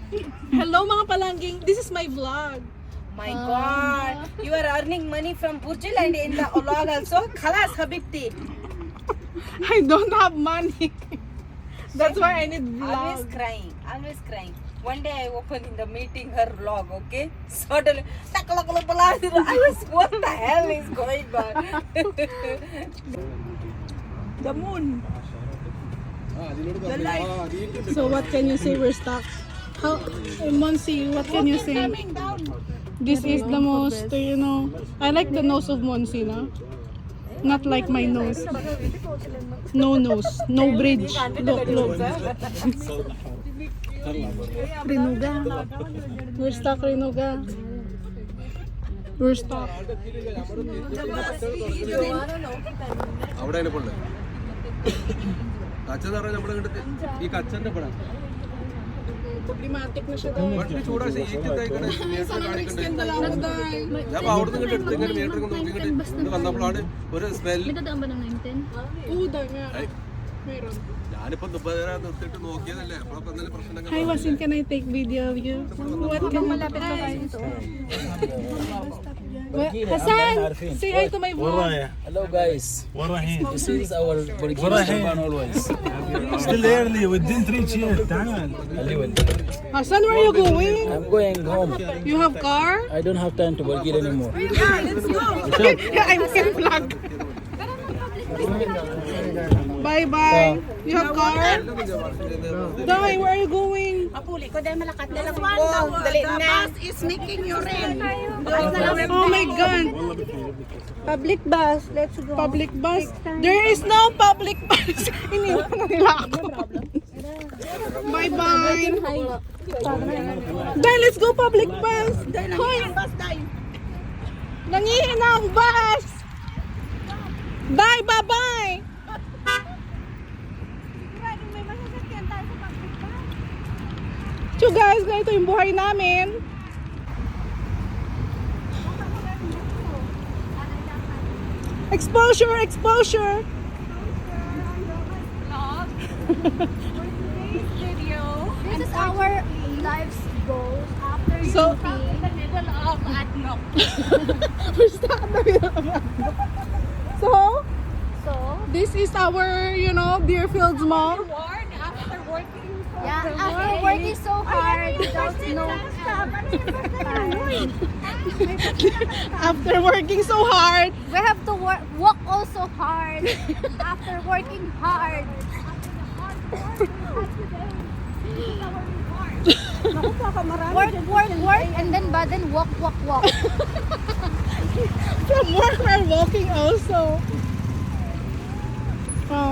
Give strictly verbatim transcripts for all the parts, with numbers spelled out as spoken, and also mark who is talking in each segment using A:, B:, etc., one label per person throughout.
A: Hello mga palangging, this is my vlog.
B: My God, you are earning money from Burjil and in the vlog also. Khalas, Habibti.
A: I don't have money. That's why I need
B: Always
A: vlog.
B: crying, always crying. One day I opened in the meeting her vlog, okay? Suddenly, I was, what the hell is going on?
A: The moon. So what can you say? We're stuck. How, Monsi, what can you say? This is the most, you know, I like the nose of Monsi, no? Not like my nose. No nose, no bridge. Look, look. Rinuga. We're stuck, Rinuga. We're stuck.
C: അവിടെയാണ് ഇപ്പോൾ ഉള്ളത്. കച്ചെന്ന് പറഞ്ഞാൽ നമ്മുടെ ഇങ്ങോട്ട് ഈ കച്ചന്റെ പടം
A: Problematic na siya daw.
C: വണ്ടി ചൂടാശ ഈറ്റിട്ടായിക്കണേ മീറ്റർ കാണിക്കണ്ടേ. ഞാൻ അപ്പൊ അവിടെ നിന്ന് എടുത്ത് ഇങ്ങനെ മീറ്റർ നോക്കി ഇങ്ങോട്ട് വന്നപ്പോഴാണ് ഒരു സ്മെൽ.
A: Uda nga. Meron.
C: ഞാനിപ്പോ ദുബാര നിർത്തിയിട്ട് നോക്കിയതല്ലേ അപ്പോഴൊക്കെ എന്തെങ്കിലും പ്രശ്നങ്ങൾ.
A: Hi, Wasin, can I take video of you? What can malapit pa kayo ito? Hassan, say hi to my vlog.
D: Hello guys,
E: وين رايحين؟
D: this is our Burkina
E: وين رايحين؟
D: Shaban always.
E: Still early we didn't reach here. تعال.
A: Hassan, where are you going?
D: I'm going home.
A: You have car?
D: I don't have time to Burkina anymore.
A: I'm in vlog. Bye bye. You have car? Dai, where are you going?
B: Apuli ko dahil malakat na lang ko. Dali na. The bus is making you rain.
A: Oh my God.
B: Public bus, let's go.
A: Public bus? There is no public bus. Iniwan na nila ako. Bye bye. Dai, let's go public bus. Hoy. Nangihina ang bus. Bye, bye, bye. So guys, ganito yung buhay namin. Exposure, exposure.
F: This is our life's goals after
A: So-
F: U P. The middle of Adnok.
A: We're stuck in the middle of it. So,
F: So,
A: this is our, you know, Deerfields Mall.
B: Warn after working for
F: yeah,
B: the
F: after
B: world.
F: working so hard without no time,
A: After working so hard.
F: we have to work, walk also hard after working hard. Work, work, work, and then but then walk, walk, walk.
A: From work, we're walking also. Oh.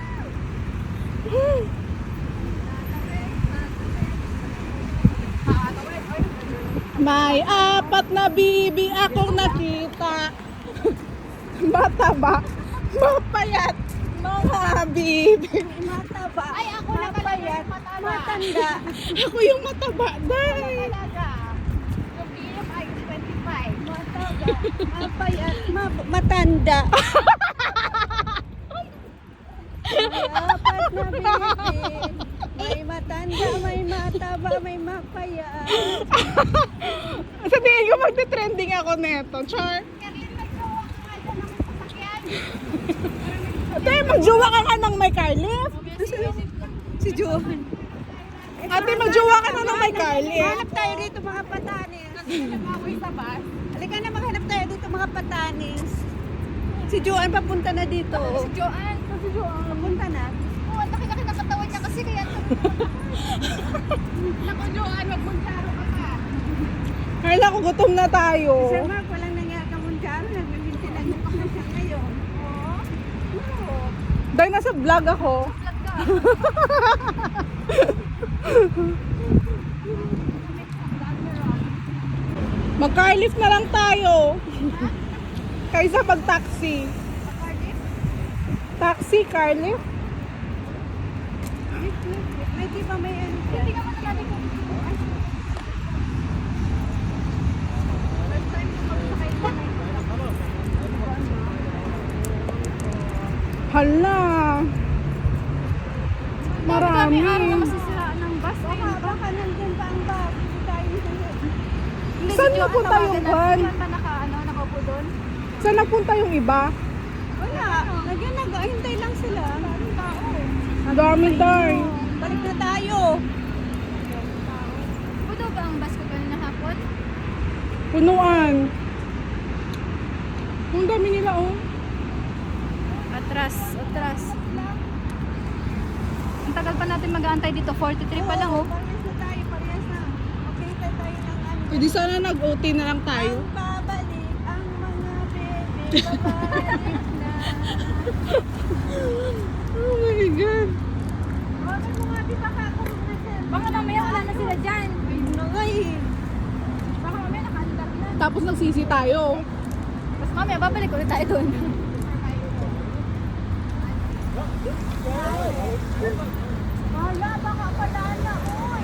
A: May apat na bibi akong nakita. Mataba, mapayat, mga bibi. Mataba,
F: Ay, ako na pala mataba.
B: Matanda.
A: Ako yung mataba, day.
F: Talaga. Yung B M I is twenty-five.
B: Mapayat, ma- matanda. Apat na baby. May matanda, may mataba, may mapayat.
A: Sa tingin ko magte-trending ako neto, char. Ate, magjowa ka nga ng may car lift.
B: Si Johan.
A: Ate, magjowa ka na ng may car lift.
B: Hanap tayo dito mga patanis. Halika na, maghanap tayo dito mga patanis. Si Joan papunta na dito.
F: Si Joanne. Si Joanne.
B: Papunta na.
F: Oh, ang laki-laki ng katawan niya kasi kaya Naku, Joanne, magmuntaro ka pa.
A: Kala ko gutom na tayo.
B: Sir Mark, walang nangyari ka mundyaro. Nagbibinti lang yung siya ngayon.
A: Dahil nasa vlog ako. Mag-car lift na lang tayo. Kaysa pag-taxi. Taxi, car lift.
B: May di ba may ano dyan?
F: Hindi ka masyado kung
A: Hala. Marami.
F: Kami araw na masisiraan ng bus.
B: Baka, baka nandun pa ang
A: Saan napunta yung van?
F: Saan pa naka, ano, nakaupo doon?
A: Saan napunta yung iba?
B: Wala. Nagyan nag-ahintay lang sila. Daming tao.
A: Ang dami tayo.
B: Balik na tayo.
F: Puno ba ang bus ko kanina hapon?
A: Punuan. Ang dami nila oh.
F: Atras, atras. Ang tagal pa natin mag-aantay dito. forty-three pa lang, oh.
B: Parehas na tayo. Parehas na. Okay, tayo tayo ng ano.
A: Pwede sana nag-O T na lang tayo.
B: Ang babalik ang mga bebe. Babalik na.
A: Oh my God.
B: Bakit mo nga di baka ako mag-resell?
F: Baka mamaya wala na sila dyan.
B: Ayun na nga eh.
F: Baka mamaya nakaandar na.
A: Tapos nagsisi tayo.
F: Tapos mamaya babalik ulit tayo doon.
B: Wala, baka pala na. Oy.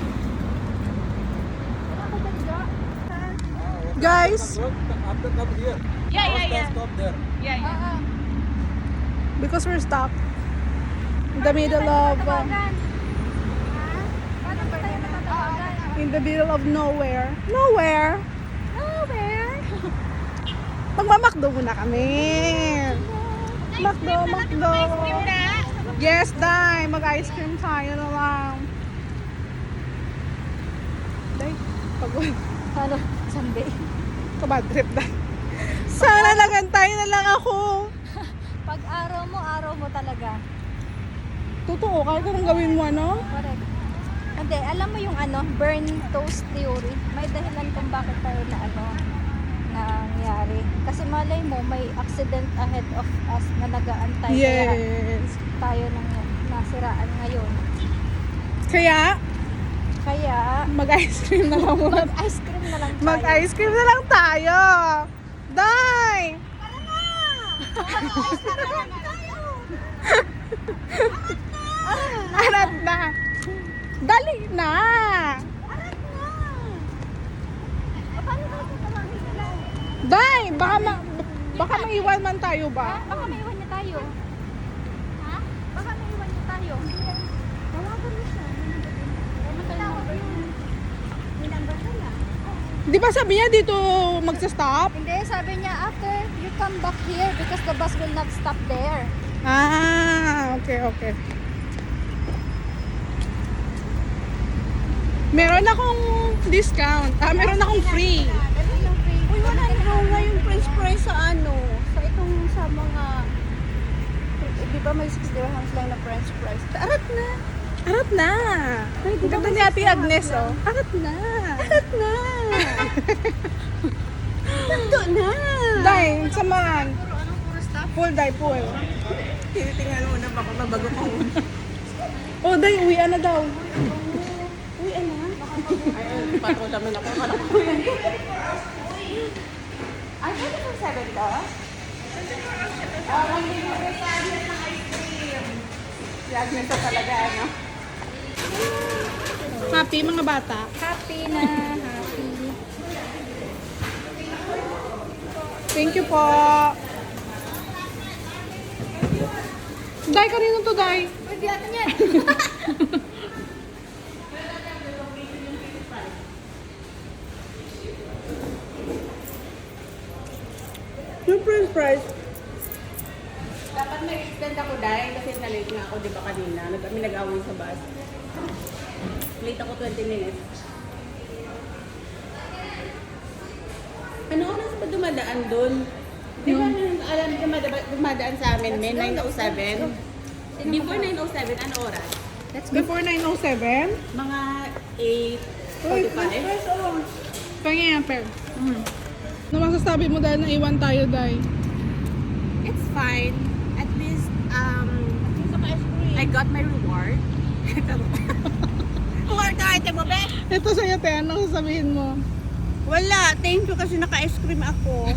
A: Guys,
C: After come here.
F: Yeah, yeah, yeah.
C: Stop there.
F: Yeah, yeah.
A: because we're stuck in the middle of uh,
F: Paano ba tayo natatawagan?
A: in the middle of nowhere. Nowhere.
F: Nowhere.
A: Magmamakdo muna kami. Makdo, makdo. Yes, Day. Mag-ice cream tayo na lang. Day, pagod.
F: Ano? Sunday.
A: Kabad trip, Day. Sana nagantay na lang ako.
F: Pag araw mo, araw mo talaga.
A: Totoo, kahit anong gawin mo, ano?
F: Correct. Hindi, alam mo yung ano, burn toast theory. May dahilan kung bakit tayo na ano, nangyari. Kasi malay mo, may accident ahead of us na nag-aantay. Kaya
A: Yes.
F: tayo nang nasiraan ngayon.
A: Kaya,
F: Kaya,
A: mag-ice cream na lang muna.
F: mag-ice cream na lang tayo.
A: Mag-ice cream na lang tayo. Day! Arat na. Dali na.
F: Paano tayo tatawagin sila?
A: Day, baka ma baka maiwan man tayo ba?
F: Baka maiwan niya tayo. Ha? Baka maiwan niya tayo. Tawagan mo siya. Ano tawag yun? May number siya na.
A: Di ba sabi niya dito magsa-stop?
F: Hindi, sabi niya after you come back here because the bus will not stop there.
A: Ah, okay, okay. Meron akong discount. Ah, meron akong free.
B: Uy, wala na nga yung french fries sa ano. Sa itong sa mga... Eh, di ba may six dirhams lang na french fries? Arat na.
A: Arat na. Ang ganda ni Ate Agnes, oh. Arat na.
B: Arat na. Nando na.
A: Day, samahan. Full, day, full.
B: Tinitingnan mo na baka mabago ko.
A: Oh, day, uwian na daw.
B: Uy, ano? Ay, patro naman ako. Alam ko yan. Ay, pwede kong seven to? Ah, magbibigay sa Agnes ng ice cream. Si Agnes na talaga, ano?
A: Happy, mga bata.
F: Happy na, happy.
A: Thank you po. Day, kanino to, Day?
F: Pwede natin yan.
A: Yung french fries.
B: Dapat may extend ako dahil kasi na-late nga ako, di ba kanina? Nag kami nag-away sa bus. Late ako twenty minutes. Ano oras ba dumadaan doon? Di ba alam dumadaan, dumadaan sa amin, may nine oh seven? Before nine oh seven, ano oras?
A: Before nine oh seven?
B: Mga eight
A: Uy,
B: forty-five?
A: Pangyan, per. Ano masasabi mo dahil naiwan tayo, Day?
B: It's fine. At least, um, I got my reward. Reward ka, ate mo, be?
A: Ito sa'yo, te. Ano sasabihin mo?
B: Wala, thank you kasi naka-ice cream ako.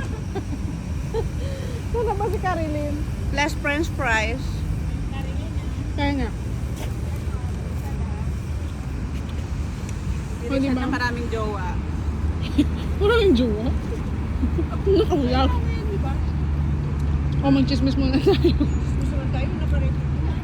A: Wala ba si Caroline?
B: Plus french fries.
A: Kaya nga. O, di
B: Siya
A: ba?
B: na maraming jowa.
A: Wala yung jowa. Nakawala. O, mag-chismis muna tayo.
B: Gusto mo tayo na pa rin.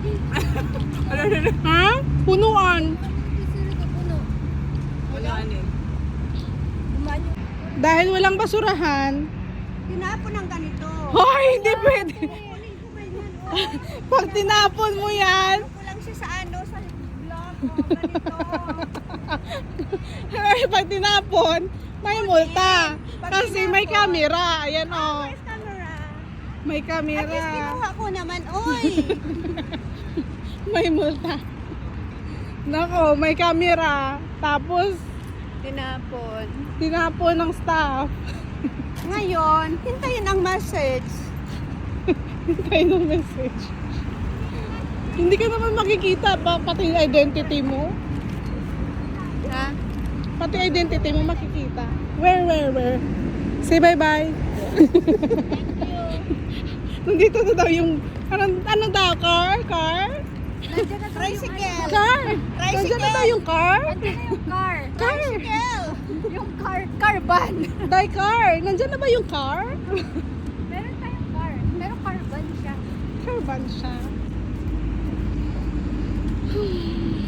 A: Ha? Punuan.
F: Sino ka puno?
B: Wala, ano eh.
F: Dumaan yung...
A: Dahil walang basurahan,
G: Tinapon ng ganito.
A: hoy, hindi pwede.
G: Kunin ko ba yan? Oh,
A: Pag tinapon mo yan,
G: ko lang siya sa ano, sa vlog ko. Ganito.
A: ay, pag tinapon, may multa.
G: Pag
A: Kasi may
G: tinapon.
A: camera. Ayan oh.
G: Where's camera?
A: May
G: At least
A: camera.
G: kinuha ko naman, oy.
A: May multa. Nako, may camera. Tapos,
G: Tinapon.
A: tinapon ng staff.
G: Ngayon, hintayin ang message.
A: Hintay ng message. Hindi ka naman makikita pa, pati yung identity mo.
G: Ha?
A: Pati identity mo makikita. Where, where, where? Say bye-bye. Nandito na daw yung, ano, ano daw, car? Car?
F: Nandiyan na daw yung
G: Tricycle.
A: Car? Nandiyan na daw yung car?
F: Nandiyan na yung car.
A: Car?
G: Tricycle.
F: Yung car, car van.
A: Day car? Nandiyan na ba yung car?
F: Meron tayong car. Pero car van siya.
A: Car van siya.